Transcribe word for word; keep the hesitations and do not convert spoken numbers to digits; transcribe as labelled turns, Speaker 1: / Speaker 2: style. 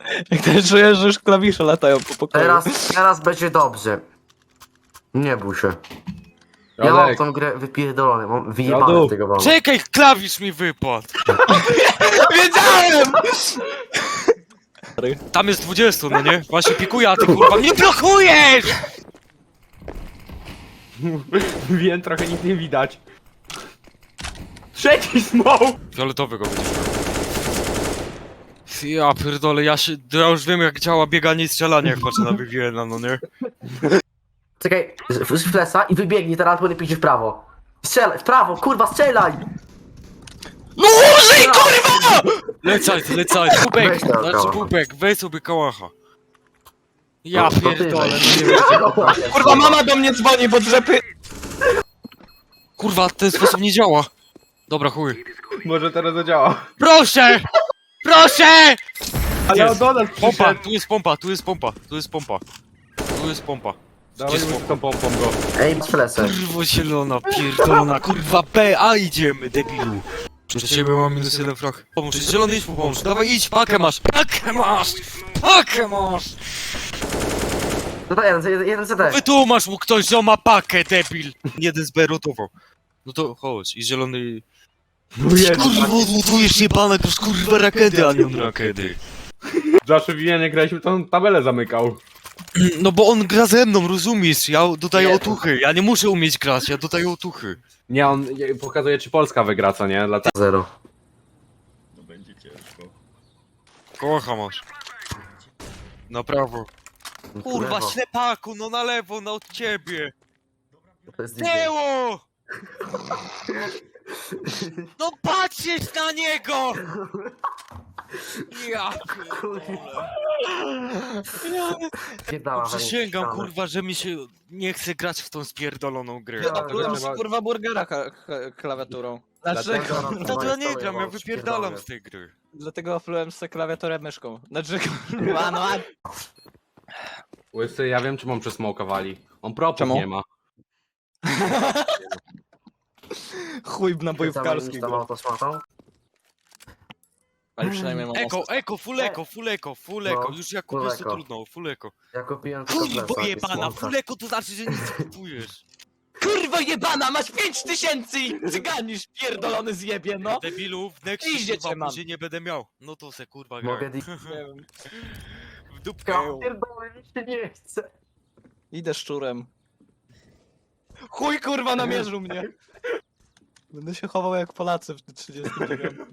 Speaker 1: Jak też czujesz, że już klawisze latają po pokoju.
Speaker 2: Teraz, teraz będzie dobrze. Nie bój się. Ja mam
Speaker 3: Radek,
Speaker 2: tą grę wypierdolony, mam wyjebane
Speaker 3: Radu.
Speaker 2: z tego wam.
Speaker 4: Czekaj, klawisz mi wypadł!
Speaker 1: Wiedziałem!
Speaker 4: Tam jest dwudziestu, no nie? Właśnie pikuję, a ty kurwa mnie blokujesz!
Speaker 3: wiem, trochę nic nie widać. Trzeci smoke!
Speaker 4: Fioletowy go będzie. Ja pierdolę, ja się... Ja już wiem jak działa bieganie i strzelanie, jak patrzę na Viviana, no nie?
Speaker 2: Czekaj, z z flesa i wybiegnij teraz, bo nie pójdzie w prawo. Strzelaj, w prawo, kurwa, strzelaj!
Speaker 4: No użyj, kurwa! Lecaj, lecaj, Bubek,
Speaker 2: Weź tego
Speaker 4: znaczy
Speaker 2: kałacha.
Speaker 4: Bubek, weź sobie kałacha. Ja
Speaker 2: No, to ty
Speaker 4: pierdolę,
Speaker 2: weź.
Speaker 4: no nie wiem.
Speaker 1: Kurwa, mama do mnie dzwoni, bo drzepy...
Speaker 4: Kurwa, ten sposób nie działa. Dobra, chuj.
Speaker 3: Może teraz zadziała.
Speaker 4: Proszę! Proszę!
Speaker 3: Ale
Speaker 4: Jest.
Speaker 3: on do nas
Speaker 4: Pompa,
Speaker 3: przyszedł.
Speaker 4: tu jest pompa, tu jest pompa, tu jest pompa. Tu jest pompa. Gdzie
Speaker 3: Dawaj
Speaker 4: jest
Speaker 3: mu z
Speaker 4: pompa?
Speaker 3: tą pompą go.
Speaker 2: Ej, z flesem.
Speaker 4: Kurwa zielona, pierdolona, kurwa B, a idziemy, debilu. Przez ciebie mam minus jeden frag. Pomóż, zielony idź mu pomóż, dawaj idź, pakę masz, pakę masz, pakę masz.
Speaker 2: Tutaj jeden, jeden, jeden C D.
Speaker 4: Wytłumacz mu ktoś, że on ma pakę, debil. Jeden z B rotował. No to chodź, i zielony...
Speaker 3: No jest.
Speaker 4: Kurwa, odmutujesz jebane, to jest kurwa rakety, a nie on rakety.
Speaker 3: Zawsze w jak graliśmy, to on tabelę zamykał.
Speaker 4: No bo on gra ze mną, rozumiesz? Ja dodaję
Speaker 2: Nie.
Speaker 4: otuchy, ja nie muszę umieć grać, ja dodaję otuchy.
Speaker 3: Nie, on nie- pokazuje, czy Polska wygra, co nie? Dlatego...
Speaker 2: Zero.
Speaker 4: Kocha masz. Na prawo. Kurwa,
Speaker 2: Lewo.
Speaker 4: ślepaku, no na lewo, no od ciebie.
Speaker 2: To jest D J.
Speaker 4: Tyło! No patrzysz na niego! Ja pierdolę.
Speaker 2: Pierdala,
Speaker 4: Przysięgam,
Speaker 2: ścianę.
Speaker 4: kurwa, że mi się nie chce grać w tą spierdoloną grę.
Speaker 1: Ja
Speaker 2: Ja
Speaker 1: plułem
Speaker 3: trzeba-
Speaker 1: kurwa burgera ka- ka- klawiaturą.
Speaker 3: Dlatego-
Speaker 1: Dlaczego?
Speaker 4: No to ja nie gram, ja wypierdalam z tej gry.
Speaker 1: Dlatego plułem sobie klawiaturę myszką. Znaczy kurwa, no a...
Speaker 3: Łysy, ja wiem, czy mam przesmokowali. On propów
Speaker 1: Czemu?
Speaker 3: nie ma.
Speaker 1: Chuj na
Speaker 2: Cały
Speaker 1: bojówkarski
Speaker 2: niż tam
Speaker 1: go.
Speaker 2: autosmatą.
Speaker 1: Ale przynajmniej mam
Speaker 4: Eko,
Speaker 1: asystę.
Speaker 4: eko, full eko, full eko, full eko.
Speaker 2: No,
Speaker 4: Już jak
Speaker 2: full
Speaker 4: kupisz to
Speaker 2: eko.
Speaker 4: trudno, full eko.
Speaker 2: Ja kupiłem tylko
Speaker 4: Kurwa
Speaker 2: flesa i
Speaker 4: jebana,
Speaker 2: smoka.
Speaker 4: full eko to znaczy, że nic nie kupujesz.
Speaker 1: Kurwa jebana, masz pięć tysięcy i cyganisz pierdolony zjebie, no!
Speaker 4: Debilu, w Nexie
Speaker 1: Idzie cię
Speaker 4: kurwa
Speaker 1: mam.
Speaker 4: później nie będę miał. No to se kurwa gra.
Speaker 2: Mogę di...
Speaker 1: Nie wiem.
Speaker 4: W dupkę.
Speaker 2: Ja pierdolę, mi się nie chce.
Speaker 1: Idę szczurem. Chuj kurwa namierzył mnie! Będę się chował jak Polacy w trzydziestym dziewiątym.